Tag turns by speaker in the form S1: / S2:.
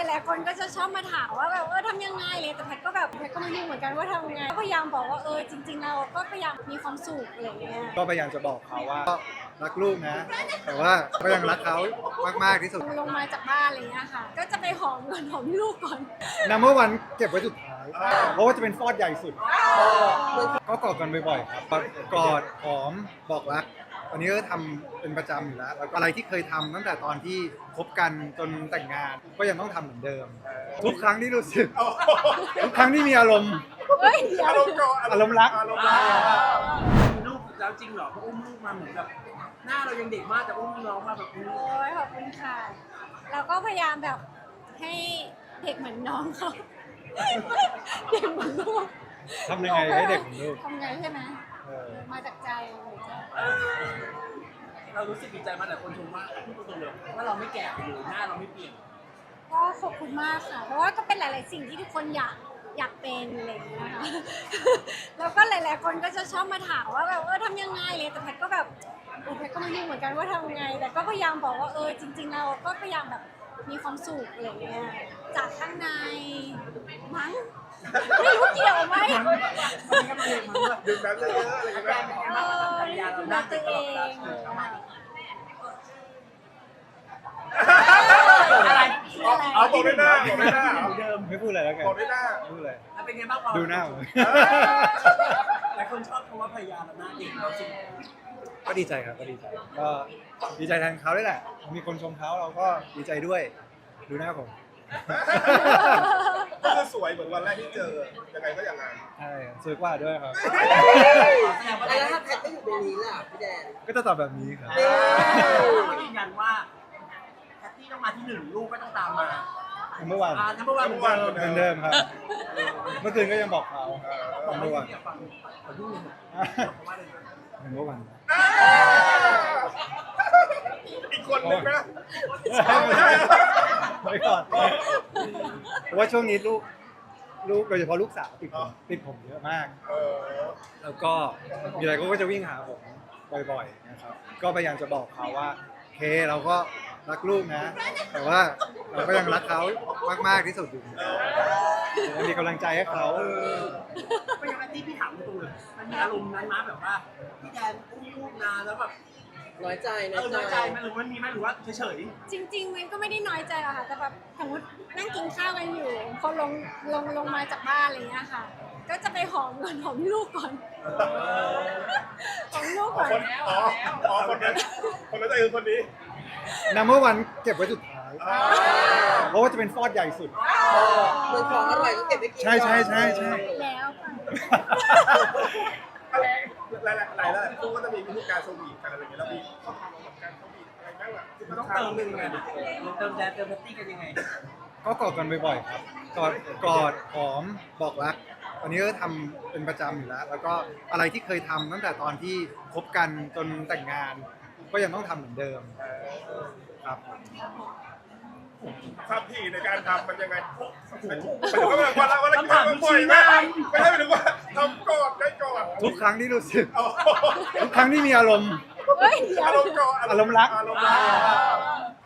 S1: ลายๆคนก็จะชอบมาถามว่าแบบทำยังไงเลยแต่แพทย์ก็แบบแพทย์ก็ไม่รู้เหมือนกันว่าทำยังไงก็พยายามบอกว่าจริงๆเราก็พยายามมีความสุขอะไรอย่างเงี้ย
S2: ก็พยายามจะบอกเขาว่ารักลูกนะ แต่ว่าก็ยังรักเขามากๆที่สุด
S1: ลงมาจากบ้านอะไรอย่างเงี้ยค่ะก็จะไปหอมก่อนหอมลูกก่อน
S2: Number 1เก็บไว้สุดท้ายเพราะว่าจะเป็นฟอดใหญ่สุดก็กอดกันบ่อยๆครับกอดหอมบอกรักอันนี้ก็ทำเป็นประจำอยู่แล้วแล้วก็อะไรที่เคยทำตั้งแต่ตอนที่คบกันจนแต่งงานก็ยังต้องทำเหมือนเดิม ทุกครั้งที่รู้สึกทุกครั้งที่มีอารมณ์
S1: เฮ้ยเดี๋ยว
S2: อารมณ์รัก
S3: มีลูกแล้วจริงเหรอเพราะอุ้มลูกมาเหมือนแบบหน้าเรายังเด็กมากแต่อุ้มน้องมาแบบนี้
S1: โอ้ยขอบคุณค่ะเราก็พยายามแบบให้เด็กเหมือนน้องเขาเด็กเหมือนลูก
S2: ทำยังไงให้เด็กเหมือนลูก
S1: ทำไงใช่ไหม
S2: เออ
S1: มาจากใจเลยจ้ะ
S3: เรารู้สึกดีใจมากแต่คนชมว่าพูดตรงๆเลยว่าเราไม่แก่ไปเลยหน้าเราไม่เปลี่ยน
S1: ก็ขอบคุณมากค่ะ เพราะว่าก็เป็นหลาย ๆ สิ่งที่ทุกคนอยากเป็นอะไรอย่างเงี้ยค่ะ แล้วก็หลาย ๆ คนก็จะชอบมาถามว่าแบบทำยังไงเลยแต่แพทย์ก็แบบแพทย์ก็ไม่รู้เหมือนกันว่าทำยังไง แต่ก็พยายามบอกว่าจริง ๆ เราก็พยายามแบบมีความสุขอะไรอย่างเงี้ยจากข้างในมั้งไม่รู้เกี่ยวไหม
S4: ดื่มน้ำเยอะๆอะไรอย่างเงี้ย
S1: ดูแลตัวเอง
S3: อะไร
S4: เอาบอกด้วยหน้าบอกด้วยหน้า
S3: เดิม
S2: ไม่พูดอะไรแล้วกัน
S4: บอกด้วยหน้า
S2: ไม่พูดอะไร
S3: แล้วเป็นไงบ้างพอ
S2: ดูหน้าผม
S3: หลายคนชอบคำว่าภรรยาเราหน้าเด็กเราสิ
S2: ก็ดีใจครับก็ดีใจก็ดีใจแทนเขาด้วยแหละมีคนชมเขาเราก็ดีใจด้วยดูหน้าผม
S4: ก็คือสวยเหมือนวันแรกที่เจอ ยังไงก็อย่างนั้น
S2: ใช่สวยกว่าด้วยครับ
S3: แสดงว่า
S5: แล้วถ้าแพทไม่อยู่ตรงนี้ล่ะพี่แดน
S2: ก็จะตอบแบบนี้ครับ
S3: เขายืนยันว่าแพตตี้ต้องมาที่หนึ่งลูกก็ต้องตามมา
S2: เมื่อวาน
S3: ทั้งเมื่อวานเหมือนเดิม
S2: เหมือนเดิมครับ เมื่อคืนก็ยังบอกเขา
S3: บอก
S2: เมื่อ
S3: ไม่
S2: วาน
S3: ได้อยากฟังขอยุ่งเลยบอกว่าอะไรนะ
S2: เมื่อวาน
S4: อีกคนนึงนะ
S2: ไว้ก่อนเพราะว่าช่วงนี้ลูกโดยเฉพาะลูกสาวติดผมเยอะมาก
S4: เออ
S2: แล้วก็มีอะไรก็จะวิ่งหาผมบ่อยๆนะครับ ก็พยายามจะบอกเขาว่าเคเราก็รักลูกนะ แต่ว่าเราก็ยังรักเขามากๆที่สุดอยู่ยังมีกำลังใจให้เขา
S3: ไม่งั้นแพตตี้พี่ถามตรงเลยมันมีอารมณ์นั้นมาแบบว่าพี่แดนอุ้มลูกนานแล้วแบบ
S5: น้อยใจ
S3: น้อยใจไหมหรือมันมีไหมหรือว่าเฉย
S1: จริง ๆ มันก็ไม่ได้น้อยใจหรอกค่ะ แต่แบบสมมตินั่งกินข้าวกันอยู่พอลงมาจากบ้านอะไรอย่างเงี้ยค่ะ ก็จะไปหอมก่อนหอมลูกก่อนหอมลูกก่อน
S4: คนนั้นใจคือคนนี้
S2: Number 1เก็บไว้สุดท้ายเพราะว่าจะเป็นฟอดใหญ่สุด
S5: เหมือนของอร่อยก็เก็บไว้กิน
S2: ใช่
S1: แล้วไป
S4: หลายคู่ก็จะมีวิธีการสวีทกันอะไรอย่างเงี้ยแล้วมีข้อความของการสวีทอะไรบ้างล่ะที่
S3: ๆ
S4: มั
S3: มัน นต้องเติมหนึ่งไงเติมแดนเติมแพตตี้กันยังไง
S2: ก็กอดกันบ่อยๆครับกอดหอมบอกรักอันนี้ก็ทำเป็นประจำอยู่แล้ว แล้วก็อะไรที่เคยทำตั้งแต่ตอนที่คบกันจนแต่งงาน ก็ยังต้องทำเหมือนเดิมครับ
S4: ความถี่ในการทำมันยังไงหมายถึงว่าวันละกี่ครั้งบ่อยไหมไม่ใช่หมายถึงว่าทำก่อนได้ก่อน
S2: ทุกครั้งที่รู้สึกทุกครั้งที่มีอารมณ์
S1: เฮ้ยเดี๋ยว
S4: อารมณ์ก่อน
S2: อารมณ์รัก
S4: อารมณ์รัก